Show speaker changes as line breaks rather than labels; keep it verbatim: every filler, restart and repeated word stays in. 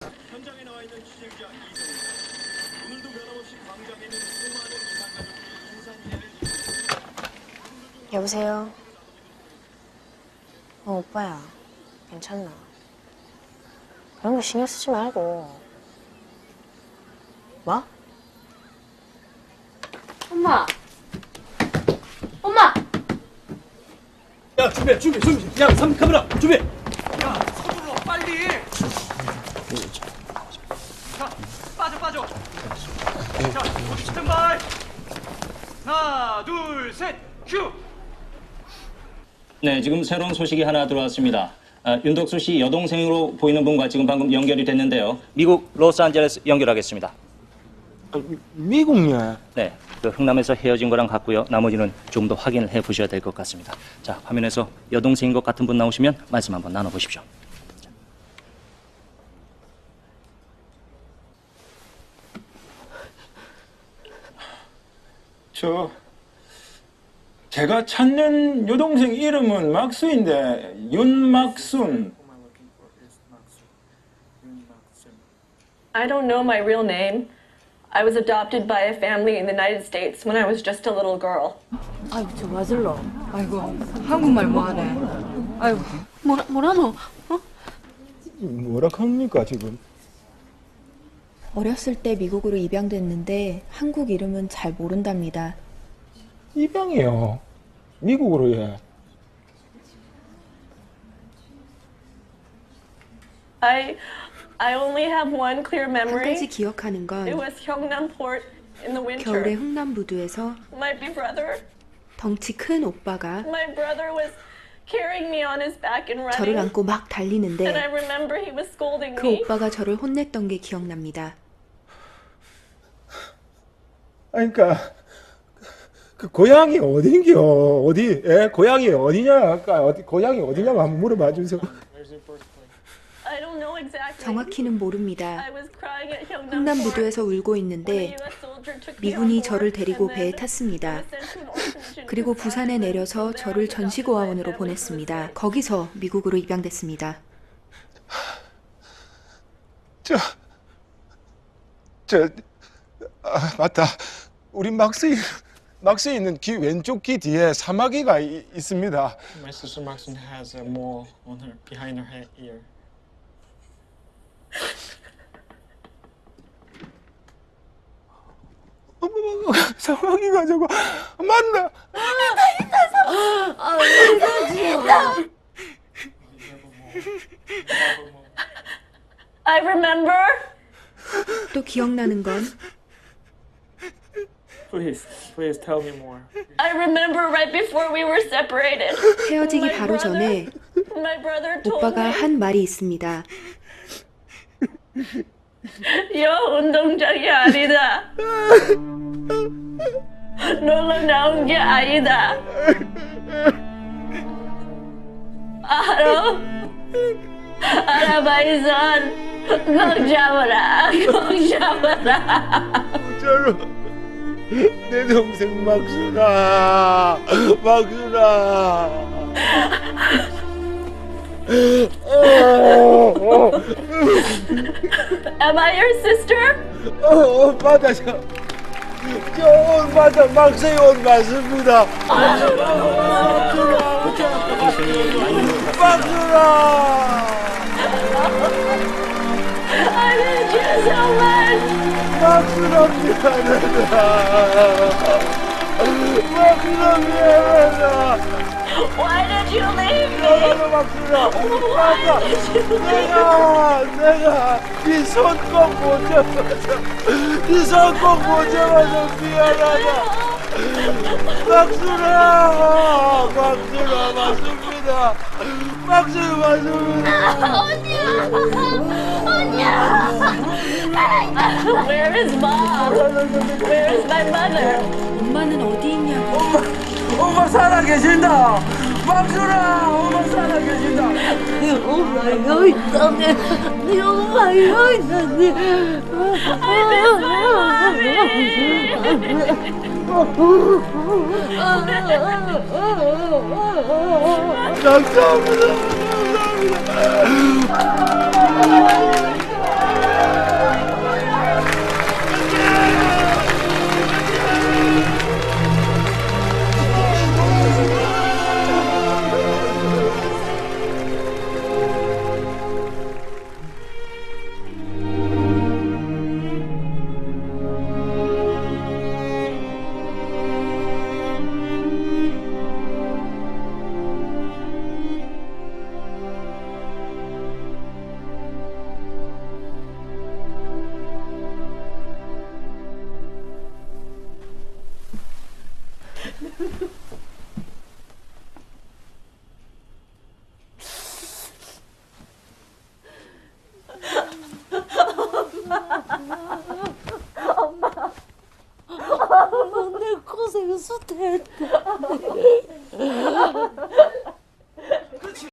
현장에 나와 있는 취재기자 이성입니다. 오늘도 변함없이 광장에 있는 수많은 이산가족들이 인산인해를
여보세요? 어, 오빠야. 괜찮나? 그런 거 신경 쓰지 말고. 뭐?
엄마! 엄마!
야, 준비해, 준비, 준비. 야, 삼 카메라, 준비. 야, 서둘러, 빨리. 자, 빠져, 빠져. 자, 모두 스탠바이. 하나, 둘, 셋, 큐.
네, 지금 새로운 소식이 하나 들어왔습니다. 아, 윤덕수 씨 여동생으로 보이는 분과 지금 방금 연결이 됐는데요. 미국 로스앤젤레스 연결하겠습니다.
아, 미국이야.
네, 그 흥남에서 헤어진 거랑 같고요. 나머지는 좀 더 확인을 해 보셔야 될 것 같습니다. 자, 화면에서 여동생인 것 같은 분 나오시면 말씀 한번 나눠보십시오.
저 제가 찾는 여동생 이름은 막수인데 윤막순.
I don't know my real name. I was adopted by a family in the United States when I was just a little girl.
아이고, 저 맞을러. 아이고, 한국말 뭐하네. 아이고.
뭐라, 뭐라노? 어?
뭐라 합니까 지금?
어렸을 때 미국으로 입양됐는데 한국 이름은 잘 모른답니다.
입양이요. 미국으로 해.
I I only have one clear
한 가지
memory.
기억하는
It
건
was Gyeongnam-port in the
겨울에
winter.
흥남부두에서
My big brother,
덩치 큰 오빠가
my brother was carrying me on his back and
저를
running.
안고 막
And I
달리는데
remember he was scolding
그
me.
오빠가 저를 혼냈던 게 기억납니다.
아니, 그러니까 그 고향이 어딘겨? 어디? 예, 고향이 어디냐? 아까 어디 고향이 어디냐고 한번 물어봐 주세요.
I don't know exactly.
정확히는 모릅니다.
I was crying at Gyeongnam-port.
흥남부두에서 울고
when a
있는데
U S soldier took me on
미군이
board,
저를 데리고
and
배에
then
탔습니다.
I was sent to an orphanage in
그리고
Busan.
부산에 내려서
There I
저를
was adopted by a
전시고아원으로
family who was
보냈습니다.
there.
거기서 미국으로 입양됐습니다.
저, 저, 아, 맞다. 우리 막스이, 막스에 있는 귀 왼쪽 귀 뒤에 사마귀가 이, 있습니다.
My sister Maxine has a mole on her behind her head ear.
어머머머, 사마귀가 저거 맞나?
I remember.
또 기억나는 건
Please, please tell me more.
I remember right before we were separated.
헤어지기
My
바로 전에
brother, my brother told
오빠가
me,
한 말이 있습니다.
여 운동장이 아니다. 놀러 나온 게 아니다. 알아? 알아봐이선 꼭 잡아라. 꼭 잡아라.
저로 내 동생 막순아, 막순아.
Am I your sister?
어, 어, 맞아, 저, 저, 옷 맞아, 막스의 옷 맞습니다. 막순아.
I miss you so much.
막순아 미안하다. 막순아 미안하다.
Why did you leave me?
너무 막순아. 맞아. 내가, 내가 네 손 꼭 못 잡아서, 네 손 꼭 못 잡아서 미안하다. 막순아, 막순아 맞습니다. 막순아 맞습니다.
Where is mom? Where is my mother?
엄마는 어디 있냐고.
엄마 살아 계신다. 막순아, 엄마 살아 계신다.
엄마 여기 있다네. 엄마 여기 있다네.
I miss my mommy.
감사합니다. 감사합니다.
있어서 됐다.